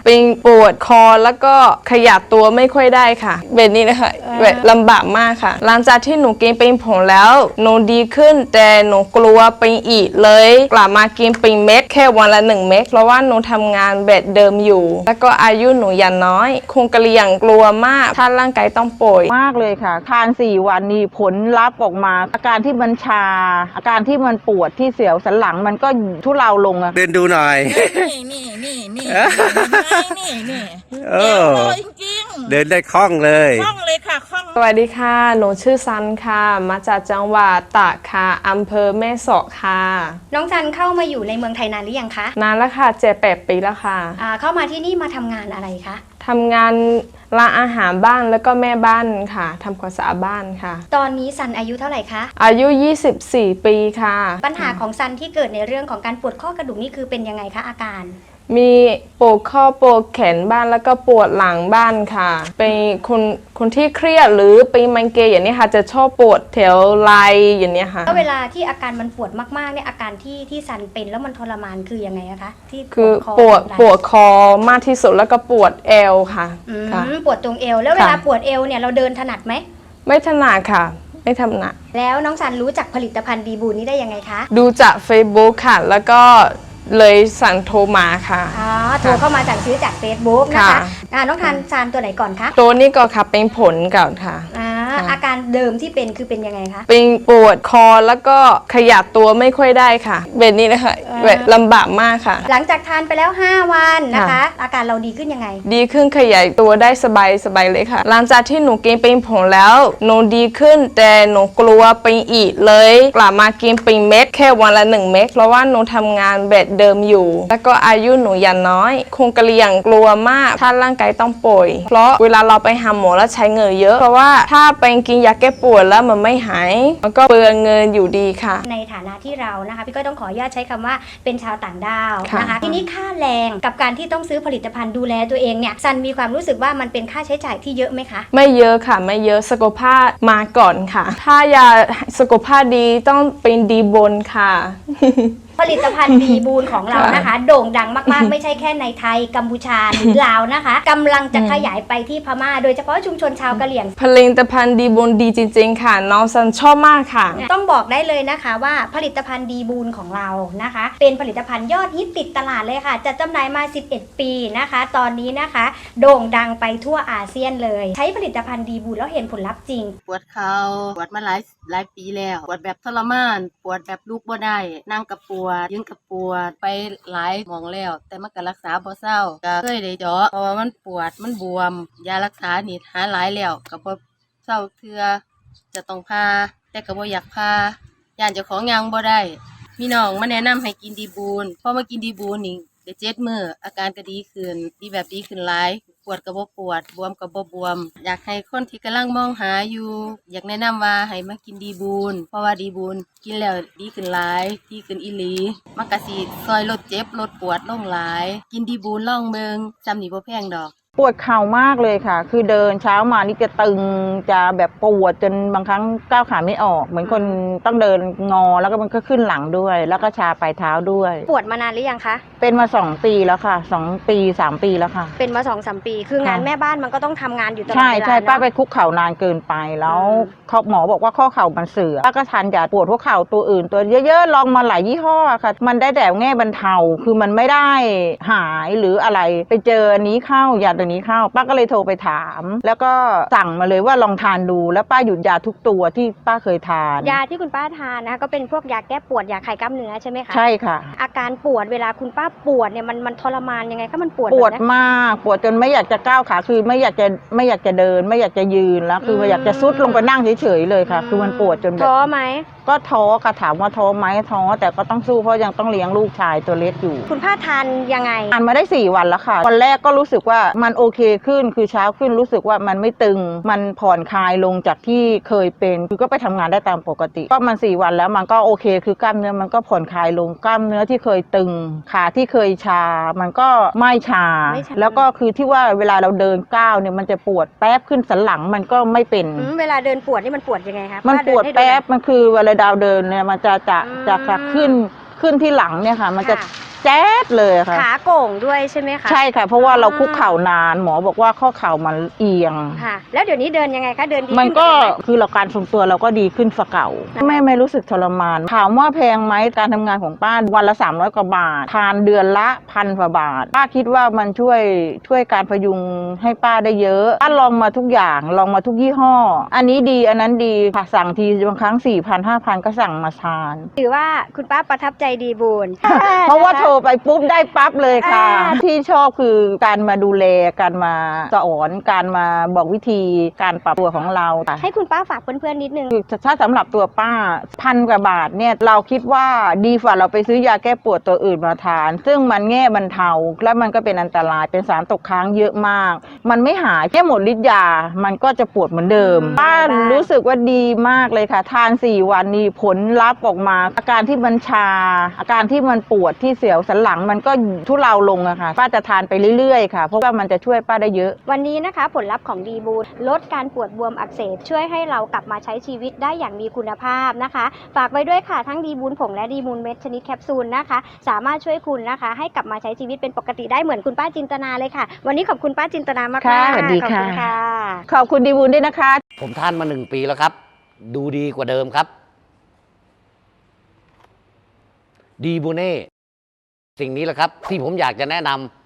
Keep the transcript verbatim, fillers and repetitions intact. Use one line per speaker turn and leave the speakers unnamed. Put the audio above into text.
ปิงปวดคอแล้วก็ขยับตัวไม่ค่อยได้ค่ะแบบนี้นะคะแบบลำบากมากค่ะหลังจากที่หนูกินปิงผงแล้วหนูดีขึ้นแต่หนูกลัวปิงอีกเลยกลับมากินปิงเม็ดแค่วันละหนึ่งเม็ดเพราะว่าหนูทำงานแบบเดิมอยู่แล้วก็อายุหนูยังน้อยคงกระเลียงกลัวมากถ้าร่างกายต้องป่วย
มากเลยค่ะทานสี่วันนี้ผลลัพธ์ออกมาอาการที่มันชาอาการที่มันปวดที่เสียวสันหลังมันก็ทุเลาลงอะ
เดินดูหน่อย
นี่นี่นี่นี่นี่นี่
เออ
จริงๆ
เดินได้คล่องเลย
คล่องเลยค่ะคล่อง
สวัสดีค่ะหนูชื่อซันค่ะมาจากจังหวัดตากค่ะอำเภอแม่สอดค่ะ
น้องซันเข้ามาอยู่ในเมืองไทยนานหรือยังคะ
นานแล้วค่ะเจ็ดแปดปีแล้วค่ะ
อ่าเข้ามาที่นี่มาทำงานอะไรคะ
ทำงานร้านอาหารบ้านแล้วก็แม่บ้านค่ะทำความสะอาดบ้านค่ะ
ตอนนี้ซันอายุเท่าไหร่คะ
อายุยี่สิบสี่ปีค่ะ
ปัญหาของซันที่เกิดในเรื่องของการปวดข้อกระดูกนี่คือเป็นยังไงคะอาการ
มีปวดข้อปวดแขนบ้านแล้วก็ปวดหลังบ้านค่ะเป็นคนคนที่เครียดหรือเป็นไมเกรนอย่างนี้ค่ะจะชอบปวดแถวไหล่อย่างนี้ค่ะ
แล้วเวลาที่อาการมันปวดมากๆเนี่ยอาการที่ที่ซันเป็นแล้วมันทรมานคือยังไงคะที่
คือปวดปวดคอมากที่สุดแล้วก็ปวดเอวค่ะ
ปวดตรงเอวแล้วเวลาปวดเอวเนี่ยเราเดินถนัดไหม
ไม่ถนัดค่ะไม่ถนัด
แล้วน้องซันรู้จักผลิตภัณฑ์ดีบูนนี้ได้ยังไงคะ
ดูจาก Facebook ค่ะแล้วก็เลยสั่งโทรมาค่ะ
อ๋อโทรเข้ามาสั่งซื้อจาก Facebook นะคะอ่าน้องทานซานตัวไหนก่อนคะ
ตัวนี้ก็ค่ะเป็นผลก่อนค่ะ
อ่าอาการเดิมที่เป็นคือเป็นยังไงคะ
เป็นปวดคอแล้วก็ขยับตัวไม่ค่อยได้ค่ะแบบนี้นะคะแบบลำบากมากค่ะ
หลังจากทานไปแล้วห้าวันนะคะอาการเราดีขึ้นยังไง
ดีขึ้นขยายตัวได้สบายสบายเลยค่ะหลังจากที่หนูกินปิงผงแล้วหนูดีขึ้นแต่หนูกลัวปิงอีกเลยกลับมากินปิงเม็ดแค่วันละหนึ่งเม็ดเพราะว่าหนูทำงานแบบเดิมอยู่แล้วก็อายุหนูยังน้อยคงกระเลียงกลัวมากถ้าร่างกายต้องป่วยเพราะเวลาเราไปหาหมอแล้วใช้เงินเยอะเพราะว่าถ้าไปกินยาแก้ปวดแล้วมันไม่หายมันก็เปลืองเงินอยู่ดีค่ะ
ในฐานะที่เรานะคะพี่ก็ต้องขออนุญาตใช้คำว่าเป็นชาวต่างดาวนะคะทีนี้ค่าแรงกับการที่ต้องซื้อผลิตภัณฑ์ดูแลตัวเองเนี่ยซันมีความรู้สึกว่ามันเป็นค่าใช้จ่ายที่เยอะไหมคะ
ไม่เยอะค่ะไม่เยอะสุขภาพมาก่อนค่ะถ้าอยากสุขภาพดีต้องเป็นดีบนค่ะ
ผลิตภัณฑ์ดีบูนของเรานะคะโด่งดังมากๆไม่ใช่แค่ในไทยกัมพูชาหรือลาวนะคะกำลังจะขยายไปที่พม่าโดยเฉพาะชุมชนชาวกะเหรี่ยง
ผลิตภัณฑ์ดีบูนดีจริงๆค่ะน้องซันชอบมากค่ะ
ต้องบอกได้เลยนะคะว่าผลิตภัณฑ์ดีบูนของเรานะคะเป็นผลิตภัณฑ์ยอดฮิตติดตลาดเลยค่ะจัดจำหน่ายมาสิบเอ็ดปีนะคะตอนนี้นะคะโด่งดังไปทั่วอาเซียนเลยใช้ผลิตภัณฑ์ดีบูนแล้วเห็นผลลัพธ์จริง
ปวดเข่าปวดมาหลายหลายปีแล้วปวดแบบทรมานปวดแบบลุกบ่ได้นั่งกับปวดยืนกับปวดไปหลายหมองแล้วแต่มันก็รักษาบ่เศร้าก็เคยได้เจาะเพราะว่ามันปวดมันบวมยารักษานี่หาหลายแล้วก็บ่เศร้าเทื่อจะต้องพาแต่ก็บ่อยากพาย่านเจ้าของยังบ่ได้มีน้องมาแนะนำให้กินดีบูนพอมากินดีบูนนี่ได้เจ็ดมื้ออาการก็ดีขึ้นดีแบบดีขึ้นหลายปวดก็บ่ปวดบวมก็บ่บวมอยากให้คนที่กำลังมองหาอยู่อยากแนะนำว่าให้มากินดีบูนเพราะว่าดีบูนกินแล้วดีขึ้นหลายดีขึ้นอีหลีมันก็สิช่วยลดเจ็บลดปวดลงหลายกินดีบูนลองเบิ่งจำนี่บ่แพงดอก
ปวดเข่ามากเลยค่ะคือเดินเช้ามานี่จะตึงจะแบบปวดจนบางครั้งก้าวขาไม่ออกเหมือนคนต้องเดินงอแล้วก็มันก็ขึ้นหลังด้วยแล้วก็ชาปลายเท้าด้วย
ปวดมานานหรือยังคะ
เป็นมาสองปีแล้วค่ะสองปีสามปีแล้วค่ะ
เป็นมาสองสามปีคืองานแม่บ้านมันก็ต้องทำงานอยู่ตลอดเวลา
ใช่ใช่ป้าไปคุกเข่านานเกินไปแล้วเขาหมอบอกว่าข้อเข่ามันเสื่อมป้าก็ทานยาปวดหัวเข่าตัวอื่นตัวเยอะๆลองมาหลายยี่ห้อค่ะมันได้แต่แง่บรรเทาคือมันไม่ได้หายหรืออะไรไปเจออันนี้เข้ายาตัวนี้เข้าป้าก็เลยโทรไปถามแล้วก็สั่งมาเลยว่าลองทานดูแล้วป้าหยุดยาทุกตัวที่ป้าเคยทาน
ยาที่คุณป้าทานนะก็เป็นพวกยาแก้ปวดยาคลายกล้ามเนื้อใช่ไหมคะ
ใช่ค่ะ
อาการปวดเวลาคุณป้าปวดเนี่ยมันมันทรมานยังไงคะมันปวด
ปวดมากปวดจนไม่อยากจะก้าวขาคือไม่อยากจะไม่อยากจะเดินไม่อยากจะยืนแล้วคือไม่อยากจะซุดลงไปนั่งเฉยๆเลยค่ะคือมันปวดจนแบบ
ท้อไหม
ก็ท้อค่ะถามว่าท้อไหมท้อแต่ก็ต้องสู้เพราะยังต้องเลี้ยงลูกชายตัวเล็กอยู่
คุณป้าทานยังไง
ทานมาได้สี่วันแล้วค่ะวันแรกก็รู้สึกว่ามันโอเคขึ้นคือเช้าขึ้นรู้สึกว่ามันไม่ตึงมันผ่อนคลายลงจากที่เคยเป็นคือก็ไปทำงานได้ตามปกติก็มันสี่วันแล้วมันก็โอเคคือกล้ามเนื้อมันก็ผ่อนคลายลงกล้ามเนื้อที่เคยตึงขาที่เคยชามันก็ไม่ชาแล้วก็คือที่ว่าเวลาเราเดินก้าวเนี่ยมันจะปวดแป๊บขึ้นสันหลังมันก็ไม่เป็น
เวลาเดินปวดนี่มันปวดยังไงคะ
มันปวดแป๊บมันคือเวลาดาวเดินเนี่ยมันจะจะจะขึ้นขึ้นที่หลังเนี่ยค่ะมันจะปแจ๊ดเลยค่ะ
ขาโก่งด้วยใช่ไหมคะ
ใช่ค่ะ เพราะว่าเราคุกเข่านานหมอบอกว่าข้อเข่ามันเอียง
ค่ะ แล้วเดี๋ยวนี้เดินยังไงคะเดินดี
มัน
ขึ้
ก็
ไห
คือเราการทรงตัวเราก็ดีขึ้นฝาเก่า
ค่ะ
ไม่ไม่รู้สึกทรมาน ถามว่าแพงไหมการทำงานของป้าวันละสามร้อยกว่าบาท ทานเดือนละพันกว่าบาท ป้าคิดว่ามันช่วยช่วยการพยุงให้ป้าได้เยอะป้าลองมาทุกอย่างลองมาทุกยี่ห้อ อันนี้ดีอันนั้นดีค่ะสั่งทีบางครั้งสี่พันห้าพันก็สั่งมาทาน
ถือว่าคุณป้าประทับใจดีบูน
เพราะว่าโทรไปปุ๊บได้ปั๊บเลยค่ะ
อ่า
ที่ชอบคือการมาดูแลการมาสอนการมาบอกวิธีการปรับตัวของเรา
ให้คุณป้าฝากเพื่อนๆนิดนึง
คือถ้าสำหรับตัวป้าพันกว่าบาทเนี่ยเราคิดว่าดีกว่าเราไปซื้อยาแก้ปวดตัวอื่นมาทาน ซึ่งมันแง่บรรเทาและมันก็เป็นอันตรายเป็นสารตกค้างเยอะมาก มันไม่หายแค่หมดฤทธิ์ยามันก็จะปวดเหมือนเดิม
อืม
ป้า
ได้
รู้สึกว่าดีมากเลยค่ะ ทานสี่วันนี้ผลลัพธ์ออกมา อาการที่มันชา อาการที่มันปวดที่เสียวสันหลังมันก็ทุเลาลงอะค่ะป้าจะทานไปเรื่อยๆค่ะเพราะว่ามันจะช่วยป้าได้เยอะ
วันนี้นะคะผลลัพธ์ของดีบูนลดการปวดบวมอักเสบช่วยให้เรากลับมาใช้ชีวิตได้อย่างมีคุณภาพนะคะ ฝากไว้ด้วยค่ะทั้งดีบูนผงและดีบูนเม็ดชนิดแคปซูลนะคะ สามารถช่วยคุณนะคะ ให้กลับมาใช้ชีวิตเป็นปกติได้เหมือนคุณป้าจินตนาเลยค่ะ วันนี้ขอบคุณป้าจินตนามากๆ
ค่ะสวัสดี
ขอบคุณ
ค่ะ
ค่ะ
ขอบคุณดีบุญด้วยนะคะ
ผมทานมาหนึ่งปีแล้วครับ ดูดีกว่าเดิมครับ ดีบูเน่สิ่งนี้แหละครับที่ผมอยากจะแนะนำ